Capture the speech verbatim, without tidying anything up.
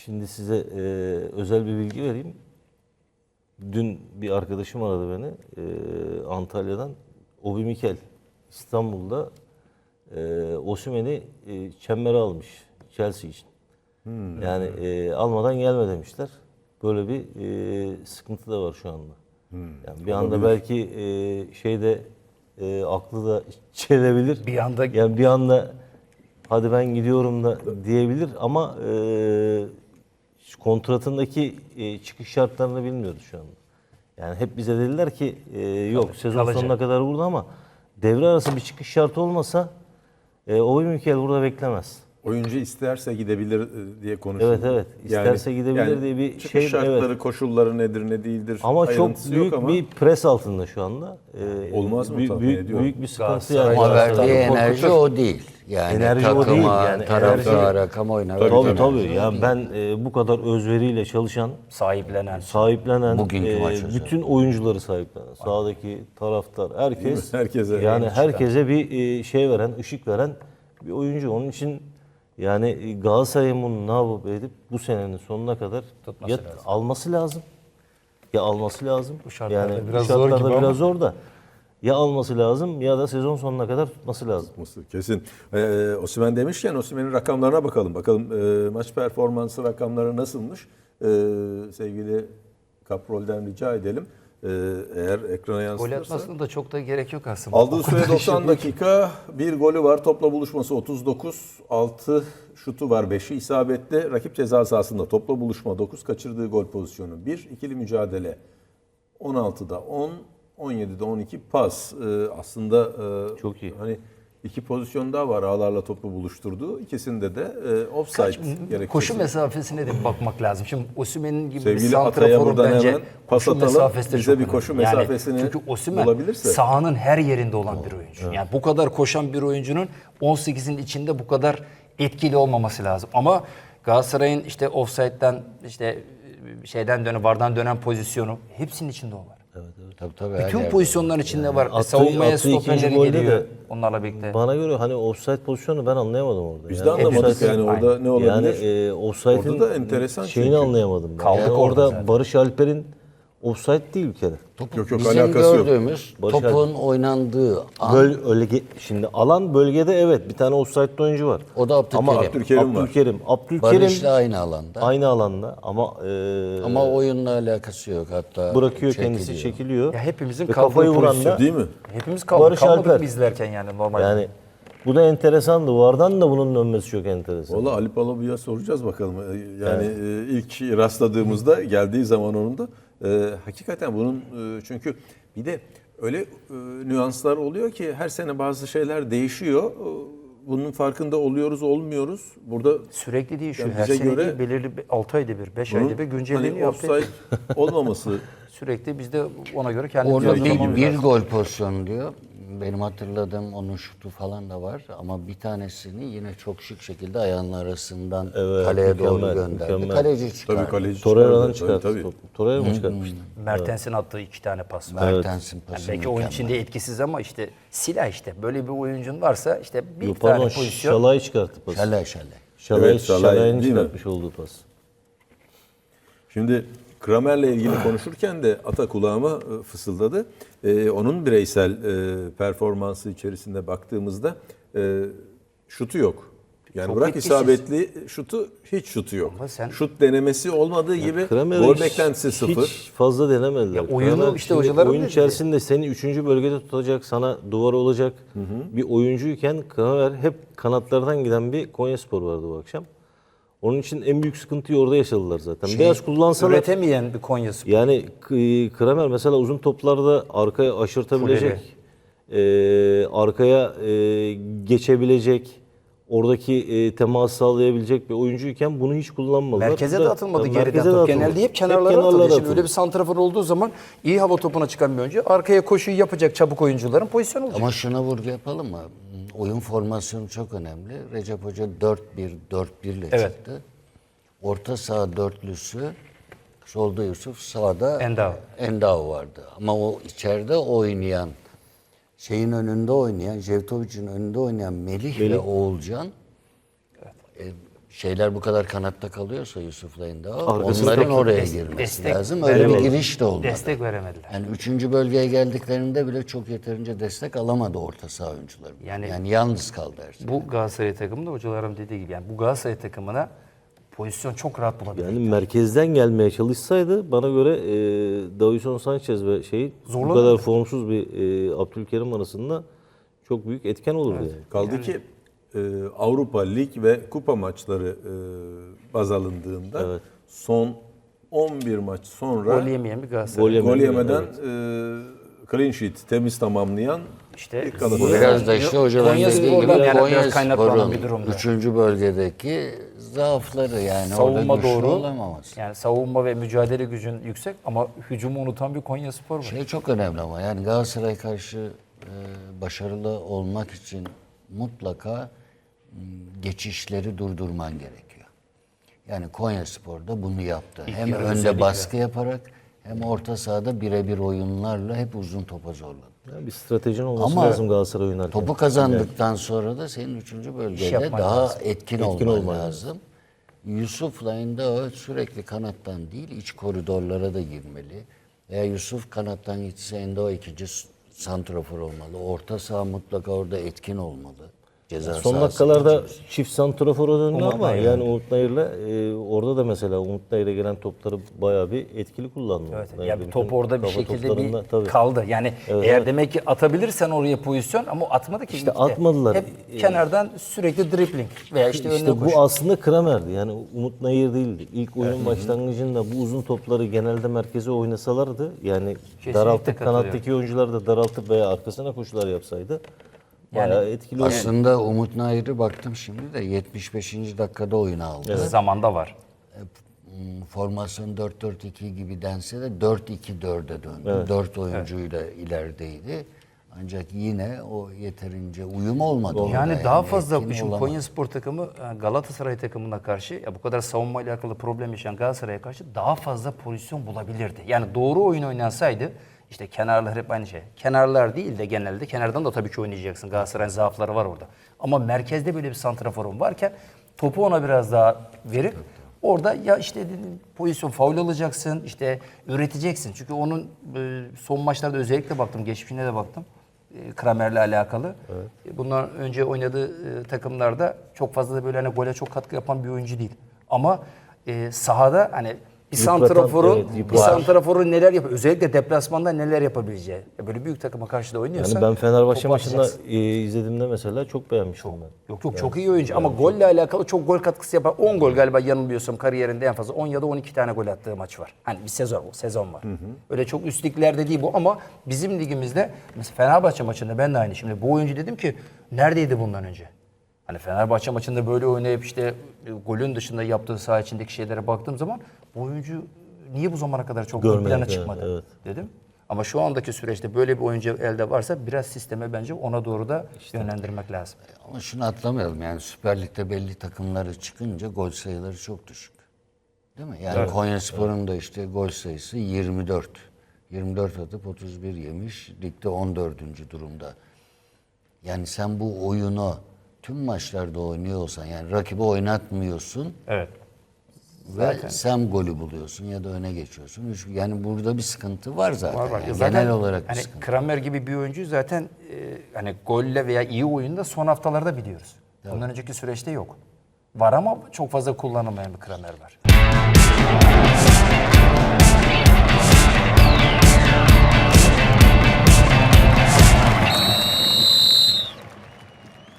Şimdi size e, özel bir bilgi vereyim. Dün bir arkadaşım aradı beni e, Antalya'dan. Obi Mikel İstanbul'da e, Osimhen'i e, çembere almış Chelsea için. Hmm. Yani e, almadan gelme demişler. Böyle bir e, sıkıntı da var şu anda. Hmm. Yani bir anda belki e, şeyde e, aklı da çelebilir. Bir anda yani bir anda hadi ben gidiyorum da diyebilir ama e, kontratındaki e, çıkış şartlarını bilmiyoruz şu anda. Yani hep bize dediler ki e, yok Tabii, sezon kalacak. sonuna kadar burada ama devre arası bir çıkış şartı olmasa e, Obi Mikel burada beklemez. Oyuncu isterse gidebilir diye konuşuyor. Evet evet. İsterse yani, gidebilir yani diye bir çıkış şey. şartları, evet. koşulları nedir ne değildir. Ama çok büyük ama. bir pres altında şu anda. Ee, Olmaz mı? Büyük, büyük, büyük bir sıkıntı yani. Ama verdiği enerji o değil. Yani enerji takıma, o değil. Yani taraftara, kamuoyuna. Tabii tabii. tabii. Yani ben e, bu kadar özveriyle çalışan, sahiplenen, sahiplenen, e, bütün oyuncuları sahiplenen, sahadaki taraftar, herkes, herkese yani herkese bir e, şey veren, ışık veren bir oyuncu. Onun için yani Galatasaray'ın bunu ne yapıp edip bu senenin sonuna kadar tutması ya lazım. alması lazım. Ya alması lazım. Bu şartlarda yani biraz bu şartlarda zor gibi biraz zor da. Ya alması lazım ya da sezon sonuna kadar tutması lazım. Kesin. Ee, Osimhen demişken Osimhen'in rakamlarına bakalım. Bakalım e, maç performansı rakamları nasılmış? Ee, sevgili Kaprol'den rica edelim. Ee, eğer ekrana yansıtırsa. Gol atmasına da çok da gerek yok aslında. Aldığı süre doksan dakika. Bir golü var. Topla buluşması otuz dokuz. altı şutu var. beşi isabetli. Rakip ceza sahasında topla buluşma dokuz. Kaçırdığı gol pozisyonu bir. İkili mücadele on altıda on. on yedide on iki pas. Ee, aslında e, çok iyi. Hani iki pozisyon daha var ağlarla topu buluşturduğu. İkisinde de e, offside gerekçesi. Koşu mesafesine de bakmak lazım. Şimdi Osimhen'in gibi Sevgili bir santraforun bence hemen pas atalım. Bize bir koşu önemli. mesafesini yani, çünkü Osimhen bulabilirse. sahanın her yerinde olan bir oyuncu. Evet. Yani bu kadar koşan bir oyuncunun on sekizin içinde bu kadar etkili olmaması lazım. Ama Galatasaray'ın işte offside'den işte şeyden dönen, vardan dönen pozisyonu hepsinin içinde o var. Evet, evet. Tabii, tabii, bütün pozisyonların içinde yani var. Attı, Savunmaya stoperleri geliyor de, onlarla birlikte. Bana göre hani offside pozisyonu ben anlayamadım orada. Biz yani de anlamadık offside, yani orada aynen. ne olabilir? Yani e, offside'in orada da enteresan şeyini çünkü. anlayamadım ben. Kaldık yani orada orada zaten. Barış Alper'in offside değil bir kere. Yok yok Bizim alakası yok. gördüğümüz Barış topun oynandığı an, Böl, öyle şimdi alan bölgede evet bir tane offside'li oyuncu var. o da Abdülkerim. Ama Abdülkerim var. Abdülkerim, Abdülkerim Barış'la aynı alanda. aynı alanda ama e, Ama oyunla alakası yok hatta. bırakıyor çekiliyor. kendisi çekiliyor. Ya hepimizin Ve kaldığı kafayı vuran pozisyon da Değil mi? Hepimiz kaldık. Barış Kalmadık Alper. mı izlerken yani normalde? Yani bu da enteresandı. Vardan da bunun dönmesi çok enteresan. Valla Ali Palabı'ya soracağız bakalım. Yani evet. ilk rastladığımızda geldiği zaman onun da e, hakikaten bunun e, çünkü bir de öyle e, nüanslar oluyor ki her sene bazı şeyler değişiyor. Bunun farkında oluyoruz, olmuyoruz. Burada sürekli değil şu. yani Her bize sene göre değil, belirli altı ayda bir, beş bunun ayda bir güncelleniyor. Hani offside olmaması sürekli biz de ona göre kendimizi Orada bir, hazırlamamız bir lazım. gol pozisyonu diyor. Benim hatırladığım onun şutu falan da var ama bir tanesini yine çok şık şekilde ayağının arasından Evet, kaleye doğru mükemmel, gönderdi. mükemmel. Kaleci çıkardı. tabii kaleci Torreira'dan çıkardı. çıkarttı topu. Torreira mı çıkartmıştı? Mertens'in attığı iki tane pas var. Mertens'in Yani pası belki oyun mükemmel. içinde etkisiz ama işte silah işte. Böyle bir oyuncun varsa işte bir Yok, tane pardon, pozisyon. Şalay çıkarttı pası. Şale şale. Şalay, Evet, Şalay Şalay'ın değil mi? çıkartmış olduğu pas. Şimdi Kramer'le ilgili konuşurken de ata kulağıma e, fısıldadı. Ee, onun bireysel e, performansı içerisinde baktığımızda e, şutu yok. Yani Çok bırak etkisiz. isabetli şutu, hiç şutu yok. Ama sen- Şut denemesi olmadığı gibi Kramer'e gol hiç- beklentisi sıfır. Hiç fazla denemediler. Ya oyunu Kramer işte şimdi hocaların oyun dediği. içerisinde seni üçüncü bölgede tutacak, sana duvar olacak bir oyuncuyken Kramer hep kanatlardan giden bir Konyaspor vardı bu akşam. Onun için en büyük sıkıntıyı orada yaşadılar zaten. Şey, Biraz kullansalar üretemeyen bir Konya'sı. yani K- Kramer mesela uzun toplarda arkaya aşırtabilecek, e, arkaya e, geçebilecek, oradaki e, temas sağlayabilecek bir oyuncuyken bunu hiç kullanmadılar. Merkeze Bu de da- atılmadı yani geriden merkeze de top. atılmadı. Genelde hep kenarlara atıldı. kenarlara Şimdi atıldı. öyle bir santrafor olduğu zaman iyi hava topuna çıkan bir oyuncu arkaya koşuyu yapacak çabuk oyuncuların pozisyonu olacak. Ama şuna vurgu yapalım mı? Oyun formasyonu çok önemli. Recep Hoca dört bir dört bir ile Evet. çıktı. Orta saha dörtlüsü solda Yusuf, sağda Endao. Endao vardı. Ama o içeride oynayan, şeyin önünde oynayan, Jevtovic'in önünde oynayan Melih, ve Oğulcan e, şeyler bu kadar kanatta kalıyorsa Yusuf'la Endao, Arkasında onların çok oraya des- girmesi destek lazım. Öyle bir veremedi. giriş de olmadı. Destek veremediler. Yani üçüncü bölgeye geldiklerinde bile çok yeterince destek alamadı orta saha oyuncuları. Yani- Yani, yalnız kaldı her şey. Bu Galatasaray takımında hocalarım dediği gibi yani bu Galatasaray takımına pozisyon çok rahat bulabilir. Yani merkezden gelmeye çalışsaydı bana göre e, Davinson Sanchez ve şey bu Zorlanırdı. kadar formsuz bir e, Abdülkerim arasında çok büyük etken olurdu yani. Kaldı ki e, Avrupa Lig ve kupa maçları e, baz alındığında son on bir maç sonra Gol yemeyen bir Galatasaray. Gol yeme- gol yemeden e, clean sheet temiz tamamlayan İşte ilk Bu Galatasaray. biraz da işte hocaların Konya dediği Spor'dan gibi yani Konya biraz kaynaklanan Spor'un bir durumda. üçüncü bölgedeki zaafları yani savunma orada güçlü doğru. olamaması. Yani savunma ve mücadele gücün yüksek ama hücumu unutan bir Konya Spor var. Şey çok önemli ama yani Galatasaray karşı e, başarılı olmak için mutlaka m, geçişleri durdurman gerekiyor. Yani Konyaspor'da bunu yaptı. hem yarı önde özellikle. baskı yaparak hem orta sahada birebir oyunlarla hep uzun topa zorladı. Yani bir stratejin olması Ama lazım Galatasaray oynarken. Topu kazandıktan sonra da senin üçüncü bölgede yapman daha lazım. etkin, Etkin olman olman lazım. Yusuf'la Endao sürekli kanattan değil iç koridorlara da girmeli. Veya Yusuf kanattan gitse Endao ikinci s- santrafor olmalı. Orta saha mutlaka orada etkin olmalı. Ceza Son sahası dakikalarda için. çift santrafora döndü Umut ama Nayır. yani Umut Nayır'la e, orada da mesela Umut Nayır'a gelen topları bayağı bir etkili kullandı. Evet, Umut Nayır. yani Bütün top orada bir kafa şekilde toplarında- bir tabii. kaldı. Yani Evet, eğer evet. demek ki atabilirsen oraya pozisyon ama atmadı ki. İşte atmadılar. Hep Ee, kenardan sürekli dribbling veya işte, İşte önüne bu koş. aslında Kramer'di. Yani Umut Nayır değildi. İlk oyunun başlangıcında bu uzun topları genelde merkeze oynasalardı yani daraltıp katılıyorum. kanattaki oyuncular da daraltıp veya arkasına koşular yapsaydı bayağı etkili olurdu. Aslında Umut Nayır'ı baktım şimdi de yetmiş beşinci dakikada oyuna aldı. Zamanda var. Hmm, Formasyon dört dört iki gibi dense de dört iki dörde döndü. dört oyuncuyla ilerideydi. Ancak yine o yeterince uyum olmadı. orada Yani daha yani, fazla etkin şimdi olamadı. Konya Spor takımı e, Galatasaray takımına karşı ya bu kadar savunma ile alakalı problem yaşayan Galatasaray'a karşı daha fazla pozisyon bulabilirdi. Yani doğru oyun oynansaydı işte kenarlar hep aynı şey. Kenarlar değil de genelde kenardan da tabii ki oynayacaksın. Galatasaray'ın zaafları var orada. Ama merkezde böyle bir santraforun varken topu ona biraz daha verip orada ya işte dedim, pozisyon faul alacaksın, işte üreteceksin. Çünkü onun e, son maçlarda özellikle baktım, geçmişine de baktım. E, Kramer'le alakalı. E, Bundan önce oynadığı e, takımlarda çok fazla da böyle hani gole çok katkı yapan bir oyuncu değil. Ama e, sahada hani bir Yıpratan, santraforun evet, bir yıpratan. santraforun neler yapıyor? Özellikle deplasmanda neler yapabileceği. Ya böyle büyük takıma karşı da oynuyorsa Yani ben Fenerbahçe topu maçında atacaksın. e, izlediğimde mesela çok beğenmiştim ben. Yok yok çok iyi oyuncu ama golle alakalı çok gol katkısı yapan on gol galiba yanılmıyorsam kariyerinde en fazla on ya da on iki tane gol attığı maç var. Hani bir sezon sezon var. Öyle çok üst liglerde değil bu ama bizim ligimizde mesela Fenerbahçe maçında ben de aynı. Şimdi bu oyuncu dedim ki neredeydi bundan önce? Hani Fenerbahçe maçında böyle oynayıp işte e, golün dışında yaptığı saha içindeki şeylere baktığım zaman bu oyuncu niye bu zamana kadar çok ön Görmedik, plana evet, çıkmadı evet. dedim. Ama şu andaki süreçte böyle bir oyuncu elde varsa biraz sisteme bence ona doğru da yönlendirmek lazım. Ama şunu atlamayalım yani Süper Lig'de belli takımları çıkınca gol sayıları çok düşük. Değil mi? Yani Konyaspor'un da işte gol sayısı yirmi dört. yirmi dört atıp otuz bir yemiş. Ligde on dördüncü durumda. Yani sen bu oyunu tüm maçlarda oynuyor olsan yani rakibi oynatmıyorsun Evet. ve sen golü buluyorsun ya da öne geçiyorsun. Üç- Yani burada bir sıkıntı var zaten. Var var. Yani Zaten genel olarak bir hani sıkıntı. Kramer gibi bir oyuncu zaten e, hani golle veya iyi oyunda son haftalarda biliyoruz. Bundan önceki süreçte yok. Var ama çok fazla kullanılmayan bir Kramer var.